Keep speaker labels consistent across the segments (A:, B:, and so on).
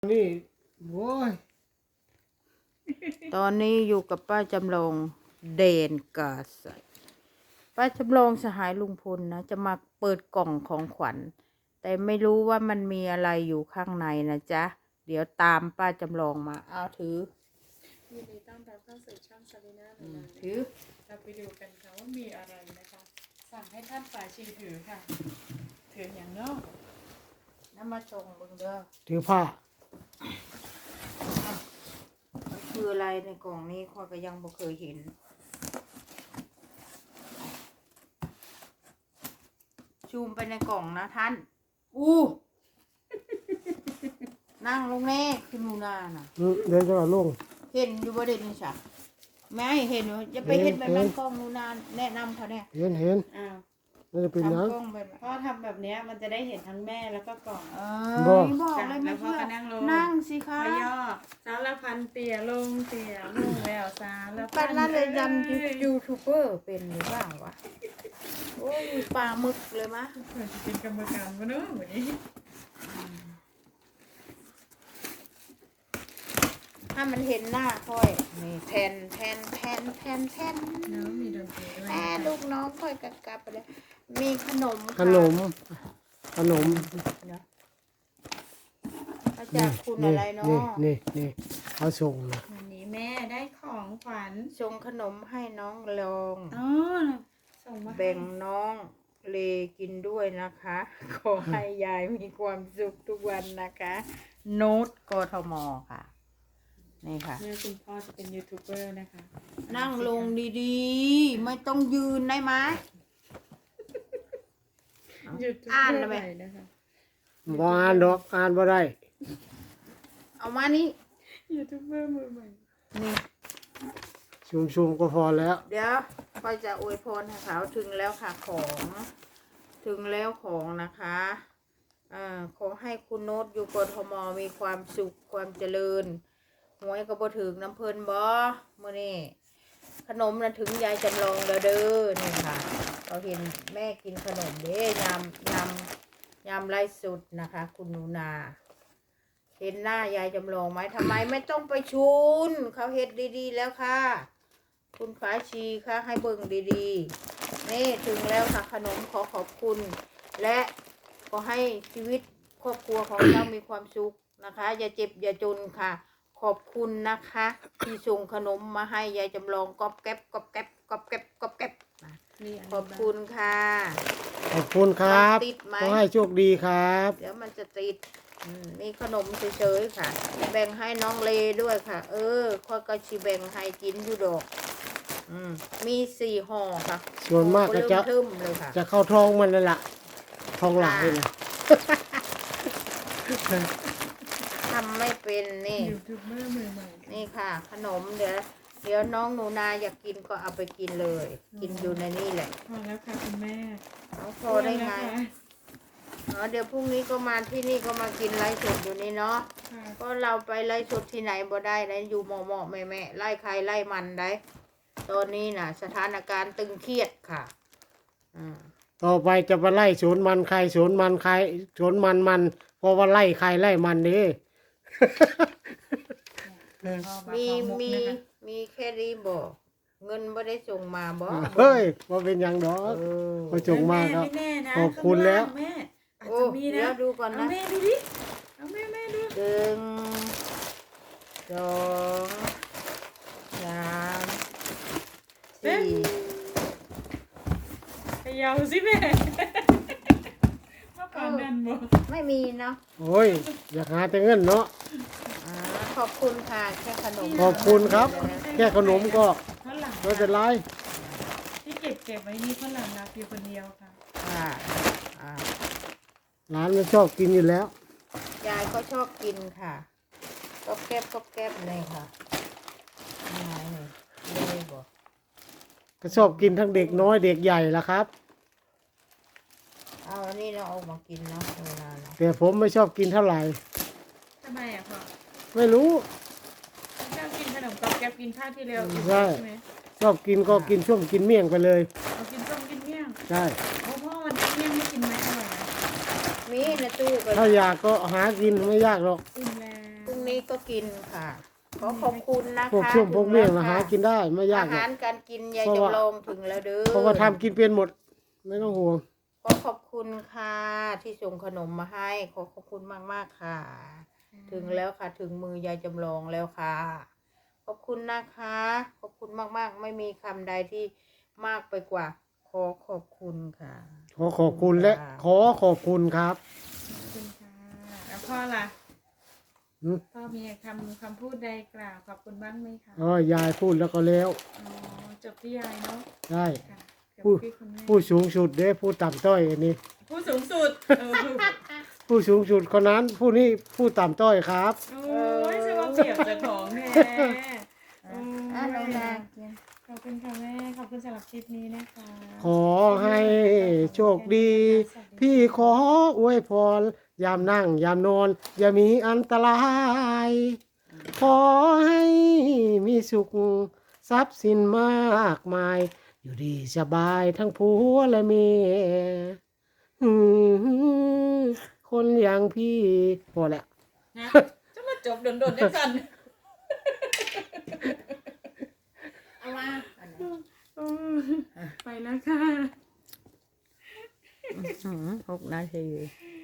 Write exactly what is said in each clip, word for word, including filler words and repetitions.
A: นี่โว้ย
B: ตอนนี้อยู่กับป้าจำลองเด่นกาใสป้าจำลองสหายลุงพลนะจะมาเปิดกล่องของขวัญแต่ไม่รู้ว่ามันมีอะไรอยู่ข้างในนะจ๊ะเดี๋ยวตามป้าจำลองมาเอาถือ
C: ยินดีต้อนรับเข้าสู่ช่องซาลีน่าหนูนา
B: ถือ
C: เราไปดูกันค่ะว่ามีอะไรนะคะ สั่งให้ท่านฝ่ายชีถือค่ะ ถืออย่างนอก
B: น้ำมาชงเบิ่งเด้อ
A: ถือผ้า
B: มันคืออะไรในกล่องนี้ข้อยก็ยังบ่เคยเห็นชูมไปในกล่องนะท่านอู้นั่งลงแน่คือหนูนาน่ะ
A: อืมเดี๋ยวจะเอาลง
B: เห็นอยู่บ่เด่นนี่จ้ะไม่เห็นว่าจะไปเห็นแบบนั้นกล้องหนูนาแนะนำเขาเนี่ย
A: เห็นเห็น
C: อ้าว
A: น่าจะเป็นหยัง
B: ทำกล้องแบบ
C: พ่อทำแบบเนี้ยมันจะได้เห็นทั้งแม่แล้วก็กล่อง
B: เอ
A: บ่
B: อบอกเลยไม่
C: แล้วพ่อ
B: เชื่อ
C: ก็นั่งลง
B: นั่งสิคะ
C: พย่อสารพันเตี่ยลงเตี่ยลงแล้วสารพั
B: เป็นนั่นเลยยัน
C: อ้
B: ยูทูบเบอร์เป็นหรือเปล่าวะโอ้ยปลาหมึกเลยมะ
C: เหมือนจะเป็นกรรมการวะเนอะวันนี้
B: ถ้ามันเห็นหน้าค่อยนี่แทนแทนแทนแทนแทน
C: เนอะมีดนตรีด้วย
B: แม่ลูกน้องค่อยกลับกลับไปเลยมีขนมค่ะ
A: ขนม ขนม
B: เนาะมาจากคุณ
A: นี่
B: อะไรเนาะ
A: นี่นี่นี่เขาส่งนะ
C: วันนี้แม่ได้ของขวัญ
B: ส่งขนมให้น้องลอง
C: อ๋อส่งมาให้
B: แบ่งน้องเลกินด้วยนะคะ ขอให้ยายมีความสุขทุกวันนะคะ โน้ตกทมค่ะ นี่ค่ะ
C: เนี่ยคุณพ่อจะเป็นยูทูบเบอร์นะคะ
B: นั่งลงดีๆ ไม่ต้องยืนได้ไหม
C: ยูทูบ
B: อ่าน
C: เบ
B: แล้
C: อ
B: ว
C: ร์
B: ไหม
C: ใหม่นะคะ
A: บ่อ่านดอกอ่านบ่ได้
B: เอามานี่
C: ยูทูบเบอร์มือใหม่
B: นี่
A: ชุมชุมก็พอแล้ว
B: เดี๋ยวพ่อจะอวยพรให้เขาถึงแล้วค่ะของ ถึงแล้วของนะคะอ่าขอให้คุณโน้ตอยู่กทมมีความสุขความเจริญหวยก็บ่ถึงน้ำเพลินบ่มื้อนี้ขนมน่ะถึงยายจำลองแล้วเด้อนี่ค่ะเราเห็นแม่กินขนมเด้ยำยำยำไร้สุดนะคะ คุณหนูนา เห็นหน้ายายจำลองไหมทำไมไม่ต้องไปชุนเขาเฮ็ดดีๆแล้วค่ะ คุณฟ้าชีค่ะให้เบิ่งดีๆนี่ถึงแล้วค่ะขนมขอขอบคุณ และขอให้ชีวิตครอบครัวของเจ้ามีความสุขนะคะ อย่าเจ็บอย่าจนค่ะ ขอบคุณนะคะ ที่ส่งขนมมาให้ยายจำลองก๊อบแก๊บก๊อบแก๊บก๊อบแก๊บก๊อบแก๊บนะ
C: นี่น
B: ขอบคุณค่ะ
A: ขอบคุณครับ
B: มันติดไหม
A: ขอให้โชคดีครับ
B: เดี๋ยวมันจะติดอืมมีขนมเฉยๆค่ะ แบ่งให้น้องเลด้วยค่ะ เออค่อยก็ชิแบ่งให้กินอยู่ดอกอืมมีสี่ห่อค่ะ
A: ส่วนมากก็จะ
B: เริ่มเลยค่ะ
A: จะเข้าท้องมันนั่นแหละท้องหลายนะ
B: ทำไม่เป็นนี่
C: ยูทูบเบอร์มือใหม่
B: นี่ค่ะ ขนมเดี๋ยวเดี๋ยวน้องหนูนาอยากกินก็เอาไปกินเลย กินอยู่ในนี่แหละ
C: พอแล้วค่ะคุณแม่
B: น้องพอได้ไงอ๋อเดี๋ยวพรุ่งนี้ก็มาที่นี่ก็มากินไล่สดอยู่นี่เนาะ
C: ค่ะ
B: ก็เราไปไล่สดที่ไหนบ่ได้นะอยู่หมอหมอแม่แม่ไล่ใครไล่มันได้ตอนนี้น่ะ สถานการณ์ตึงเครียดค่ะอืม
A: ต่อไปจะไปไล่สวนมันใครสวนมันใครสวนมันมันเพราะว่าไล่ใครไล่มันนี่
B: มีมีมีแค่นี้บ่เงินบ่ได้ส่งมาบ่
A: เฮ้ยว่าเป็นหยังดอก
B: เออ
A: พอจงมากครับ
C: ไม่แน่นะ
A: ขอบคุณแล้ว
C: ข้างางแม่อาจ
B: โอ้
C: จะมี
B: เดี๋ย
C: นะ
B: วดูก่อน
C: เอา
B: นะ
C: แม่ดูดิเอาแม่แม่ดู
B: หนึ่งสองสามสี่
C: ไปยาวสิแม่เมื่อก่อนนั่นบ่
B: ไม่มีเนาะ
A: โอ้ยอยากหาแต่เงินเนาะ
B: อ่าขอบคุณค่ะแค่ขนม
A: ขอบคุณครับ แค่ขนมก็
C: ฝรั่ง
A: ไม่เป็นไร
C: ที่เก็บเก็บไว้นี่ฝรั่งรักอยู่คนเดียวค่ะ
B: ค่ะอ่า
A: ร้านมันชอบกินอยู่แล้ว
B: ยายก็ชอบกินค่ะก็แก๊บก็แก๊บเลยค่ะนี่ไงนี่เลยบอก
A: ก็ชอบกินทั้งเด็กน้อยเด็กใหญ่ละครับ
B: เอาอันนี้เราเอามากินเนาะเวลาเนาะ
A: แต่ผมไม่ชอบกินเท่าไหร่
C: ทำไมอ่ะพ่อ
A: ไม่รู้
C: ชอบกินขนมกับแกบกินข้าวที่เร็ว
A: ใช่
C: ใช่ไหม
A: ชอบกินก็กินช่วงกินเมี่ยงไปเลย
C: เอากินส้มกินเมี่ยง
A: ใช่
C: โอ้พ่อวันนี้เมี่ยงไม่กินไหมอร่อยนะ
B: มีในตู้ก็
A: ถ้าอยากก็หากินไม่ยากหรอก
C: อิ่มแล้ว
B: นี้ก็กินค่ะ ขอขอบคุณนะคะ
A: พวกช่วงพวกเมี่ยงนะ
B: ถึ
A: หา
B: แล้ว
A: กินได้ไม่ยา
B: อาก
A: หรอ
B: หาก รการกินยาย
A: เพราะว่า
B: จำลองถึงแล้วเด้อ
A: เพราะว่าทำกินเป็นหมด ไม่ต้องห่วง
B: ขอขอบคุณค่ะ ที่ส่งขนมมาให้ ขอขอบคุณมากๆค่ะ ถึงแล้วค่ะ ถึงมือยายจำลองแล้วค่ะ ขอบคุณนะคะ ขอบคุณมากๆ ไม่มีคำใดที่มากไปกว่า ขอขอบคุณค่ะ
A: ขอขอบคุณและขอขอบคุณครับ
C: ขอบคุณค่ะแล้วพ่อล่ะ
A: อืม
C: พ่อมีคำคำพูดใดกล่าวขอบคุณบ้างไหมคะ
A: อ๋อยายพูดแล้วก็แล้ว
C: อ๋อจบที่ยายเนาะ
A: ได้
C: ค่ะเดี๋ยว
A: ผู้
C: พี่คุณแม่
A: ผู้สูงสุดเด้ผู้ต่ำต้อยอันนี้
C: ผู้สูงสุดเออ
A: ผู้สูงสุดคนนั้นผู้นี้ผู้ต่ำต้อยครับ
C: โอ้ยจะมาเปรียบเจากของแท้
B: อ่ะอ่ะน้องนากิน
C: ขอบคุณค่ะแม่ขอบคุณสำหรับคลิปนี้นะคะ
A: ขอให้โชคดี พี่ขออวยพร ยามนั่ง ยามนอน อย่ามีอันตราย ขอให้มีสุข ทรัพย์สินมากมาย อยู่ดีสบายทั้งผัวและเมียอืมคนอย่างพี่พอแล้ว
C: นะจะมาจบโดนๆได้สัน
B: เอามาอันนี้
C: เออไปแล้วค่ะ
B: อื้อหือหกนาที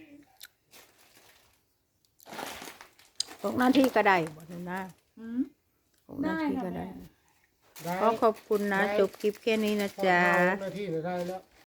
B: หกนาทีก็ได้บ่น้องนา
C: อืม
B: หกนาทีก็ได้
C: ได้ค่ะแม่
B: ขอขอบคุณนะ จบคลิปแค่นี้นะจ๊ะ
A: หน้าที่ได้แล้ว